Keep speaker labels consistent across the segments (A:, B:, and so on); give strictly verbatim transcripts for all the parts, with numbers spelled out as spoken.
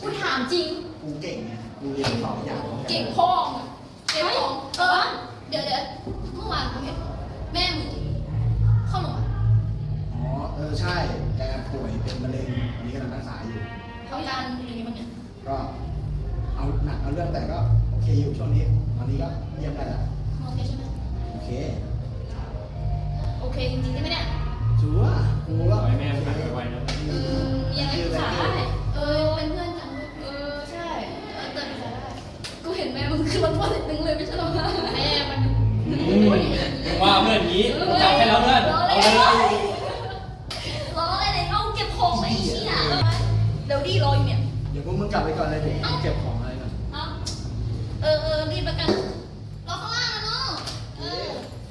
A: กูถามจริง
B: กูเก่งไงกูเรียนสองอย่าง
A: เก่งพ่อเก่งพ่อเออเดี๋ยวเดี๋ยวเมื่อวานกูเห็นแม่มึงเข้าโรงพยาบาล
B: อ๋อเออใช่แกป่วยเป็นมะเร็งอันนี้กำลังรักษาอยู่
A: เขาอาการเป็นยังไงบ้างเนี่ย
B: ก็เอาหนักเอาเรื่องแต่ก็โอเคอยู่ช่วงนี้ตอนนี้ก็เยี่ยมได้แล้ว
A: โอเคใช่ไหม
B: โอเค
A: โอเคจริงๆใช่ไหมเนี่ย
B: ชัวร์กูก็
C: แม่หายไวๆนะ
A: เออยังไงปรึกษาได้เออเป็นเพื่อนกันเออใช่เออเตือนปรึกษาได้กูเห็นแม่มึงคือมันว่าติดตึงเลยไม่ใช่หรอแม่มัน
C: ว่าเพื่อนนี้จับให้แล้วเพื่อนเอาเลย
A: รออะไรเนี่ยเอาเก็บของไอ้เหี้ยเดี๋ยวดีรออยู่เนี่ย
B: เดี๋ยวพวกมึงกลับไปก่อนเลยเดี๋ยวเก็บของอะไรก่อน
A: เออเออรีบไปกันรอข้างล่างนะเนาะเออ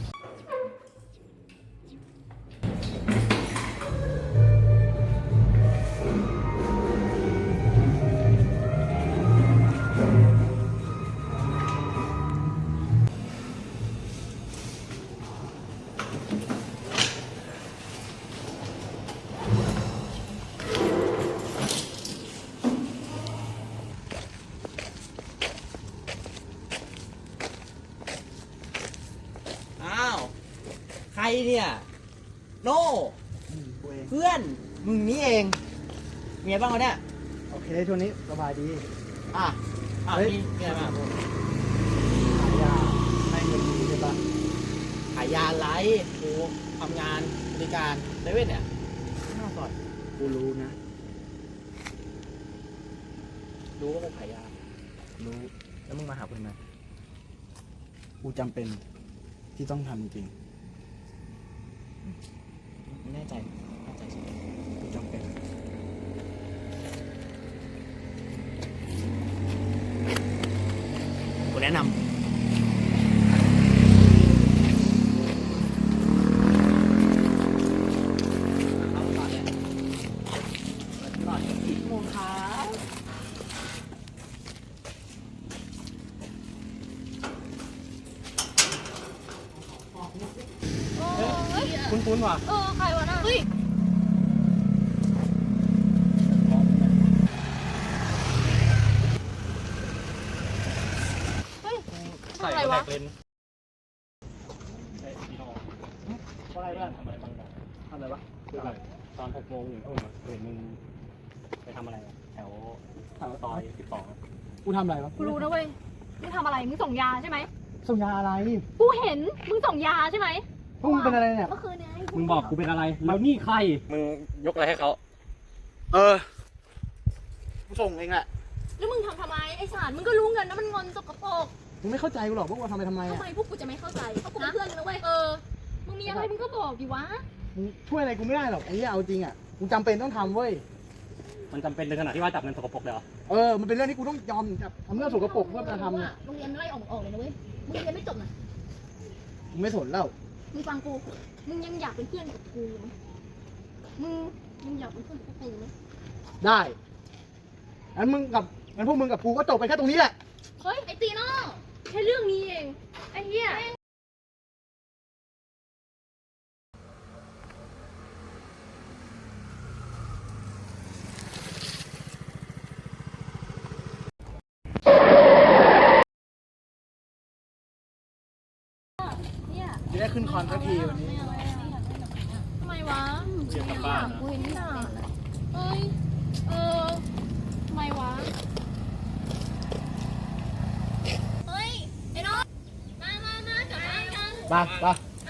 D: ใครเนี่ยโน่เพื่อนมึงนี่เองมีอะไรบ้างวะเนี่ย
B: โอเคช่วงนี้สบายดี
D: อ่ะอ่ะมีมีอะไรบ้าง
B: ขายยาให้เงินดีใช่ปะ
D: ขายยาไลฟ์กูทำงานบริการเลเว่นเนี่ยน่าสอด
B: กูรู้นะ
D: รู้ว่ากูขายยา
B: รู้แล้วมึงมาหากูทำไมกูจำเป็นที่ต้องทำจริง
D: ไม่แน่ใจแน่ใจใช่ไหม
B: กูจำเป็น
D: กูแนะนำเอาต่อเนี่ยต่อกี่ชั่วโมงครับ
C: คุ้นๆว่ะ
A: เออใครวะน่ะเฮ้ย
C: ใส่แบกเลนใช่พี่น้องว่าอะไรบ้างทำอะไรบ้าง
B: ทำอะไรวะ
C: คือแบบตอนหกโมงถึงทุ่มอ่ะเห็นมึงไปทำอะไรแถวซอยสิบสอง
B: กูทำอะไรวะ
A: กูรู้นะเว้ยมึงทำอะไรมึงส่งยาใช่ไหม
B: ส่งยาอะไร
A: กูเห็นมึงส่งยาใช่ไหม
B: พวกมึงเป็นอะไรเนี่ย
A: เมื่อคืนไง
C: มึงบอกกูเป็นอะไรแล้วนี่ใครมึงยกอะไรให้เขา
B: เออกูส่งเองแหละ
A: แล้วมึงทำทำไมไอ้สารมึงก็รู้เงินนะมันงอนสกปรก
B: มึงไม่เข้าใจกูหรอกพวกกูทำไปทำไม
A: ทำไมพวกกูจะไม่เข้าใจเพราะกูเป็นเพื่อนกันนะเว้ยเออมึงมีอะไรมึงก็บอกดิวะ
B: มึงช่วยอะไรกูไม่ได้หรอกไอ้เหี้ยเอาจริงอ่ะกูจำเป็นต้องทำเว้ย
C: มันจำเป็นในขณะที่ว่าจับเงินสกปรกเลยเหรอ
B: เออมันเป็นเรื่องที่กูต้องยอมจับทำเรื่องสกปรกเพื่อมาทำเนี่ย
A: โรงเรียนไล่ออกออกเลยนะเว้ยมึงเรียนไม่จบนะ
B: มึงไม่สนแล้ว
A: มึงฟังกูมึงยังอยากเป็นเพื่อนกับกูไหมมึงยังอยากเป็นเพื่อนกับกูไหม
B: ได้งั้นมึงกับงั้นพวกมึงกับกูก็จบไปแค่ตรงนี้แหละ
A: เฮ้ยไอ้ตีน้องแค่เรื่องนี้เองไอ้เหี้ย
B: จะได้ขึ้นคอนสักทีวันนี้
A: ทำไมวะ
C: เกี่ยวกับบ้านนะ
A: กูเห็นนี่น่ะเอ้ยเออทำไมวะเฮ้ยไอ้น้องมามามาจับบ้านกัน
B: ไปไป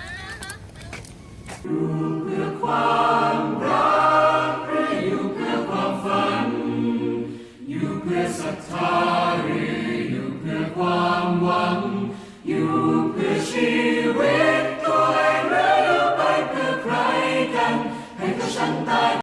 E: อยู่เพื่อความรักหรืออยู่เพื่อความฝันอยู่เพื่อศรัทธาหรืออยู่เพื่อความหวังอยู่เพื่อชีวิตตัวเองหรืออยู่ไปเพื่อใครกันให้กับฉันตาย